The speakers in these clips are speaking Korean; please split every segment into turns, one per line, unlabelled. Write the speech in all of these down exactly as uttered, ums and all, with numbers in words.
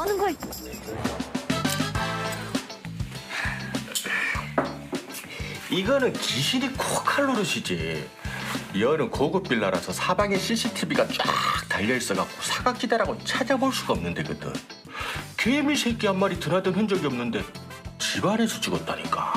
하는 거야?
이거는 귀신이 코칼 노릇이지. 여는 고급 빌라라서 사방에 씨씨티비가 쫙 달려있어갖고 사각지대라고 찾아볼 수가 없는 데거든. 개미 새끼 한 마리 드나든 흔적이 없는데 집안에서 찍었다니까.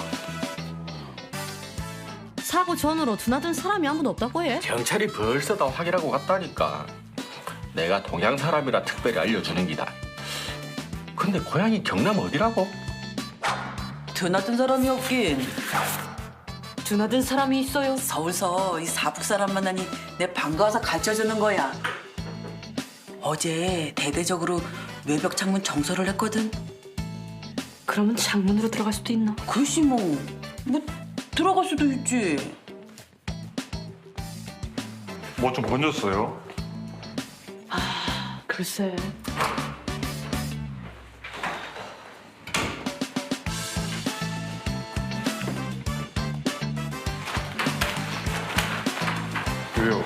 사고 전으로 드나든 사람이 아무도 없다고 해?
경찰이 벌써 다 확인하고 갔다니까. 내가 동양 사람이라 특별히 알려주는 기다. 근데 고향이 경남 어디라고?
드나든 사람이 없긴.
드나든 사람이 있어요.
서울서 이 사북 사람 만나니 내 반가워서 가르쳐주는 거야. 어제 대대적으로 외벽 창문 정설을 했거든.
그러면 창문으로 들어갈 수도 있나?
글쎄 뭐, 뭐 들어갈 수도 있지.
뭐 좀 번졌어요?
글쎄.
왜요?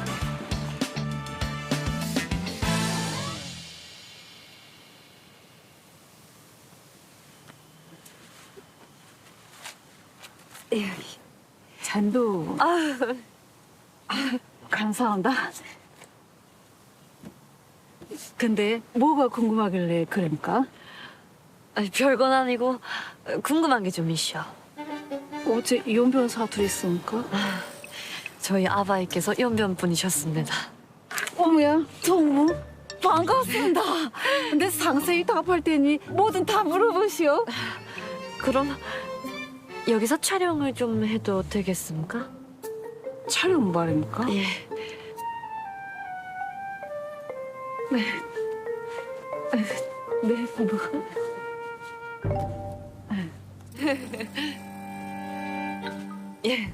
잔도 감사합니다. 근데 뭐가 궁금하길래 그러니까?
아니, 별건 아니고 궁금한 게 좀 있어.
어제 연변 사투리 있으니까?
저희 아바이께서 연변분이셨습니다.
어머야, 정무 반갑습니다. 근데 상세히 답할 테니 뭐든 다 물어보시오.
그럼 여기서 촬영을 좀 해도 되겠습니까?
촬영 말입니까?
예.
네, 뭐.
예.